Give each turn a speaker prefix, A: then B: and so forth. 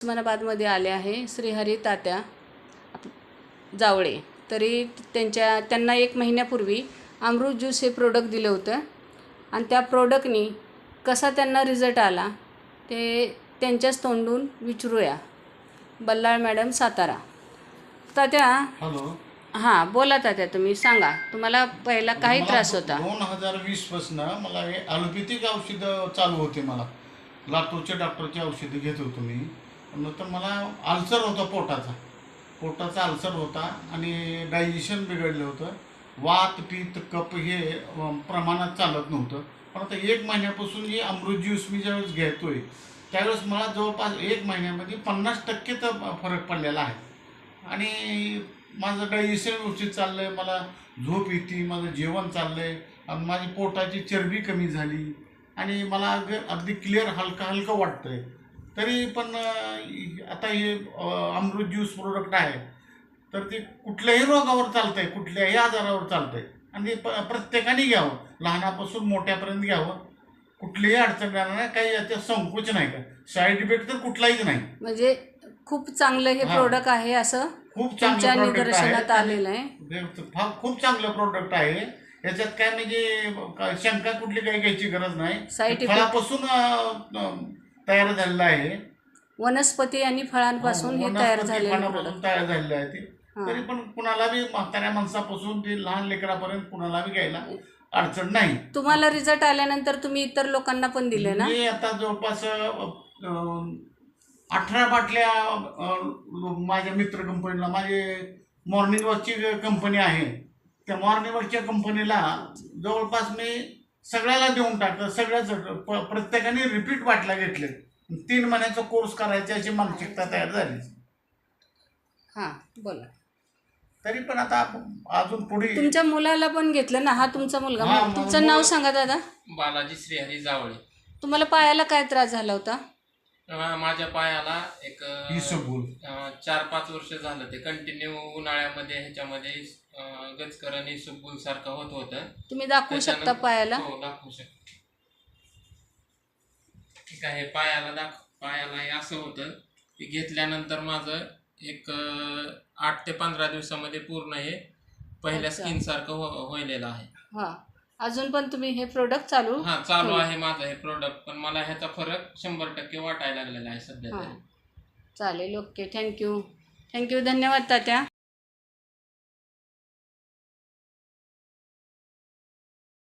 A: उस्मानाबादमध्ये आले आहे श्रीहरी तात्या जावळे. तरी त्यांना 1 महिन्यापूर्वी अमृत ज्यूस हे प्रोडक्ट दिलं होतं आणि त्या प्रोडक्टनी कसा त्यांना रिझल्ट आला ते त्यांच्याच तोंडून विचारूया. बल्लाळ मॅडम, सातारा. तात्या.
B: हॅलो.
A: हां, बोला तात्या, तुम्ही सांगा. तुम्हाला पहिला काही त्रास होता?
B: 2020 पासून मला हे ॲलोपॅथिक औषधं चालू होते. मला लातूरच्या डॉक्टरची औषधं घेत होतो मी. नंतर मला अल्सर होता, पोटाचा अल्सर होता आणि डायजेशन बिघडलं होतं. वात पित्त कफ हे प्रमाणात चालत नव्हतं. पण आता 1 महिन्यापासून हे अमृत ज्यूस मी ज्यावेळेस घेतोय त्यावेळेस मला जवळपास 1 महिन्यामध्ये 50% तर फरक पडलेला आहे. आणि माझं डायजेशन व्यवस्थित चाललं आहे, मला झोप येते, माझं जेवण चाललं आहे आणि माझी पोटाची चरबी कमी झाली आणि मला अगदी क्लिअर हलकं वाटतं आहे. तरी पण आता हे अमृत ज्यूस प्रोडक्ट आहे तर ते कुठल्याही रोगावर चालतं आहे, कुठल्याही आजारावर चालतं आहे आणि प्रत्येकाने घ्यावं, लहानापासून मोठ्यापर्यंत घ्यावं. कुठलीही अडचण येणार नाही, काही याच्यात संकोच नाही, का साईड इफेक्ट तर कुठलाहीच नाही.
A: म्हणजे खूप चांगलं हे प्रोडक्ट आहे असं
B: खूप चांगलं
A: निदर्शनात आलेलं आहे.
B: खूप चांगलं प्रोडक्ट आहे. याच्यात काय म्हणजे शंका कुठली काही घ्यायची गरज नाही. फळापासून तयार झालेलं आहे,
A: वनस्पती आणि फळांपासून हे तयार झालेलं
B: आहे ते. तरी पण कुणाला बी, म्हाताऱ्या माणसापासून ते लहान लेकरापर्यंत कुणाला बी घ्यायला अडचण नाही.
A: तुम्हाला रिझल्ट आल्यानंतर तुम्ही इतर लोकांना पण दिले ना?
B: मी आता जवळपास 18 बाटल्या माझ्या मित्र कंपनीला, माझे मॉर्निंग वॉकची कंपनी आहे, त्या मॉर्निंग वॉकच्या कंपनीला जवळपास मी सगळ्याला देऊन टाकलं. सगळ्याच प्रत्येकाने रिपीट बाटल्या घेतले. 3 महिन्याचा कोर्स करायची अशी मानसिकता तयार झाली.
A: हां, बोला.
B: तरी पण आता अजून पुढे
A: तुमच्या मुलाला पण घेतलं ना? हा तुमचा मुलगा. तुमचं नाव सांगा दादा.
C: बालाजी श्रीहरी जावळे.
A: तुम्हाला पायाला काय त्रास झाला होता?
C: माझ्या पायाला एक
B: 4-5
C: वर्ष झालं ते कंटिन्यू उन्हाळ्यामध्ये ह्याच्यामध्ये गचकरण इसबगुल सारखं होत होतं.
A: तुम्ही दाखवू शकता पायाला?
C: हो, दाखवू शकतो. ठीक आहे. पायाला हे असं होतं की घेतल्यानंतर माझं एक 8 ते 15 दिवसामध्ये पूर्ण हे पहिल्या स्किन सारखं व्हायलेलं आहे.
A: हां, अजून पण तुम्ही हे प्रोडक्ट चालू
C: आहे माझं हे प्रोडक्ट. पण मला ह्याचा फरक 100% वाटायला लागलेला आहे सध्या तरी.
A: चालेल. Okay, thank you. धन्यवाद तात्या.